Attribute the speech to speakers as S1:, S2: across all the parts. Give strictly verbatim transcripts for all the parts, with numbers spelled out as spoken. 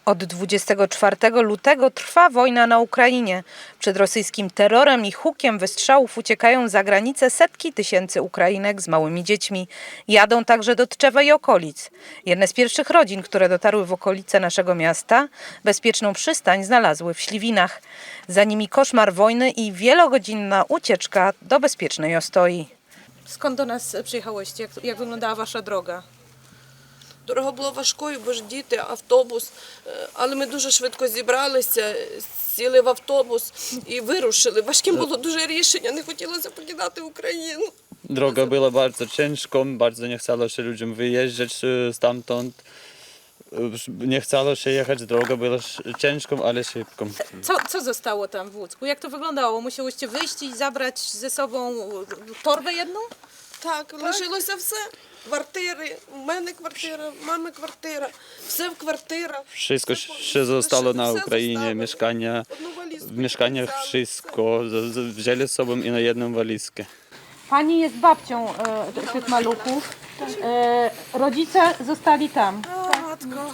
S1: Od dwudziestego czwartego lutego trwa wojna na Ukrainie. Przed rosyjskim terrorem i hukiem wystrzałów uciekają za granicę setki tysięcy Ukrainek z małymi dziećmi. Jadą także do Tczewa i okolic. Jedne z pierwszych rodzin, które dotarły w okolice naszego miasta, bezpieczną przystań znalazły w Śliwinach. Za nimi koszmar wojny i wielogodzinna ucieczka do bezpiecznej Ostoi. Skąd do nas przyjechałyście? Jak, jak wyglądała wasza droga?
S2: Дорога була важкою, бо ж діти, автобус. Е, Але ми дуже швидко зібралися, сіли в автобус і wyruszyli. Важким було дуже рішення, не хотілося покидати Україну.
S3: Droga była bardzo ciężką, bardzo nie chciało się ludziom wyjeżdżać e, stamtąd. E, Nie chciało się jechać, droga była sz- ciężką, ale szybką.
S1: Co, co zostało tam w Łódzku? Jak to wyglądało? Musiałyście wyjść i zabrać ze sobą torbę jedną?
S2: Так, лишилося все. Квартири, у мене квартира, в мами квартира, все в квартирах.
S3: Wszystko
S2: Все повністю
S3: się zostało na
S2: лишили, все
S3: Ukrainie,
S2: zostawили.
S3: mieszkania.
S2: Одну валізку
S3: W mieszkaniach
S2: взяли,
S3: wszystko z- z- wzięli z sobą i na jedną walizkę.
S1: Pani jest babcią e, tych maluchów. E, rodzice zostali tam.
S2: все. Матко.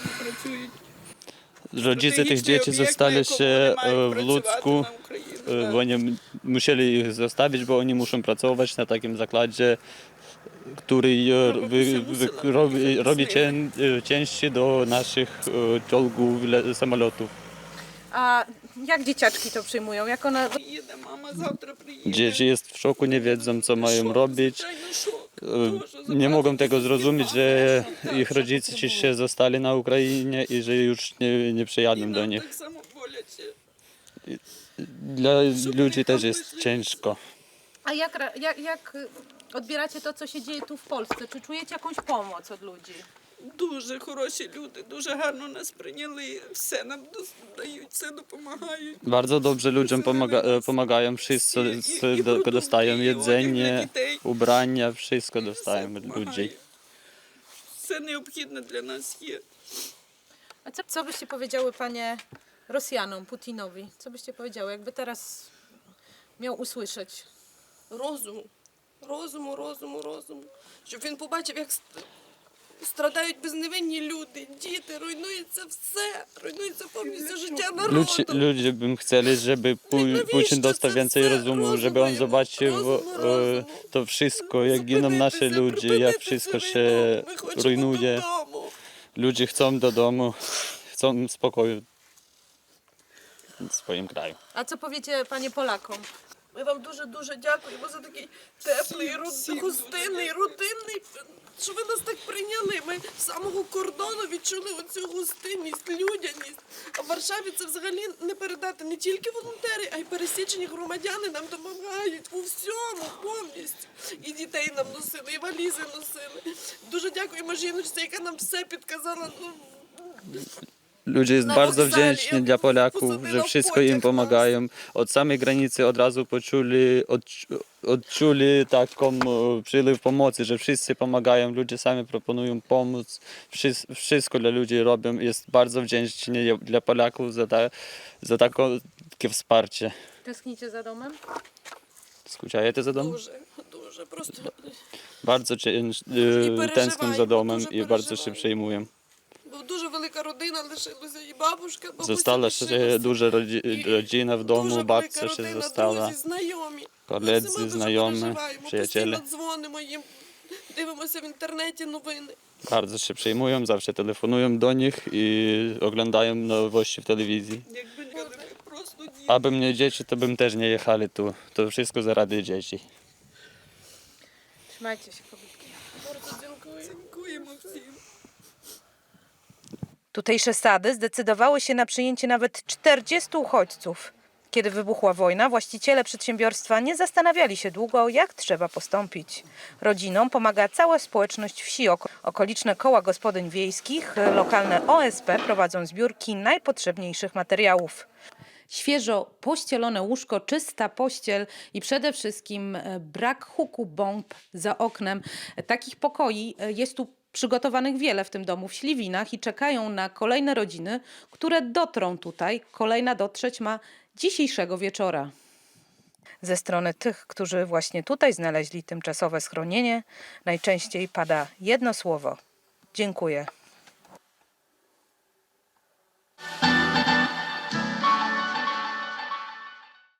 S3: Rodzice tych dzieci zostali się e, w Ludzku, e, bo oni m- musieli ich zostawić, bo oni muszą pracować na takim zakładzie, który e, wy, wy, robi, robi cię, e, części do naszych e, czołgów, le- samolotów.
S1: A jak dzieciaczki to przyjmują? Jak one...
S2: Приїде, мама завтра приїде.
S3: Dzieci jest w szoku, nie wiedzą co mają robić.
S2: Звичайно, шок.
S3: E,
S2: Дуже
S3: Nie mogą tego
S2: забрати
S3: zrozumieć,
S2: дітей.
S3: że
S2: Так,
S3: ich
S2: щоб
S3: rodzice
S2: це
S3: ci
S2: було.
S3: się zostali na Ukrainie i że już nie, nie
S2: І
S3: przyjadą do
S2: нам
S3: nich.
S2: так само боляче.
S3: Dla ludzi też jest ciężko.
S1: A jak, ra- jak, jak odbieracie to, co się dzieje tu w Polsce? Czy czujecie jakąś pomoc od ludzi?
S2: Дуже хороші люди, дуже гарно нас прийняли, все нам дос- дають, все допомагають.
S3: Bardzo dobrze ludziom pomaga, e, pomagają, wszyscy s- do, dostają jedzenie, ubrania, wszystko dostają od ludzi.
S2: Все необхідне для нас є.
S1: A co, co byście powiedziały, panie, Rosjanom, Putinowi? Co byście powiedziały, jakby teraz miał usłyszeć?
S2: Розуму, розуму, розуму, розуму. Щоб він побачив, як ст- страдають безневинні люди, діти, руйнується все, руйнується повністю життя народу.
S3: Ludzie, ludzie bym chcieli, żeby Pu- Putin dostał więcej rozumu, żeby on zobaczył e, to wszystko, jak giną nasze ludzie, jak wszystko się rujnuje. Ludzie chcą do domu, chcą spokoju w swoim kraju.
S1: A co powiecie, panie, Polakom?
S2: Ми вам дуже-дуже дякуємо за такий теплий, род- гостинний, родинний, що ви нас так прийняли. Ми з самого кордону відчули оцю гостинність, людяність. А в Варшаві це взагалі не передати. Не тільки волонтери, а й пересічені громадяни нам допомагають у всьому повністю. І дітей нам носили, і валізи носили. Дуже дякуємо жіночці, яка нам все підказала. Ну,
S3: Ludzie jest
S2: Na
S3: bardzo
S2: wokzale,
S3: wdzięczni
S2: jak
S3: dla Polaków,
S2: posadzono
S3: że
S2: w
S3: wszystko
S2: pociąg
S3: im
S2: nas.
S3: pomagają. Od samej granicy od razu poczuli, odczu- odczuli taką e, przyliw pomocy, że wszyscy pomagają, ludzie sami proponują pomóc. Wszys- Wszystko dla ludzi robią. Jest bardzo wdzięczni dla Polaków za, ta, za tako- takie wsparcie.
S1: Tęsknicie za domem?
S3: Skuciajecie za domem?
S2: дуже, дуже просто.
S3: Bardzo cięż, e,
S2: переживаємо,
S3: tęsknią za domem
S2: дуже
S3: i bardzo się
S2: переживаємо.
S3: przejmują.
S2: Бо дуже велика родина лишилася, і бабушка, бабуся
S3: Została się
S2: лишилася.
S3: duża rodzi- rodzina w domu,
S2: Дуже
S3: babcia
S2: велика
S3: się
S2: родина,
S3: została.
S2: друзі, знайомі.
S3: Koledzy,
S2: Ми всіма дуже
S3: znajomi,
S2: переживаємо,
S3: przyjaciele.
S2: постійно дзвонимо їм, дивимося в інтернеті новини.
S3: Bardzo się przejmują, zawsze telefonują do nich i oglądają nowości w telewizji.
S2: Якби не ми просто діти.
S3: Abym nie dzieci, to bym też nie jechali tu. To wszystko zarady dzieci.
S1: Trzymajcie się, kobietki.
S2: Bardzo dziękuję. Дякуємо всім.
S1: Tutejsze sady zdecydowały się na przyjęcie nawet czterdziestu uchodźców. Kiedy wybuchła wojna, właściciele przedsiębiorstwa nie zastanawiali się długo, jak trzeba postąpić. Rodzinom pomaga cała społeczność wsi. Oko- Okoliczne koła gospodyń wiejskich, lokalne O S P prowadzą zbiórki najpotrzebniejszych materiałów. Świeżo pościelone łóżko, czysta pościel i przede wszystkim e, brak huku bomb za oknem. Takich pokoi e, jest tu przygotowanych wiele w tym domu w Śliwinach i czekają na kolejne rodziny, które dotrą tutaj. Kolejna dotrzeć ma dzisiejszego wieczora. Ze strony tych, którzy właśnie tutaj znaleźli tymczasowe schronienie, najczęściej pada jedno słowo: dziękuję.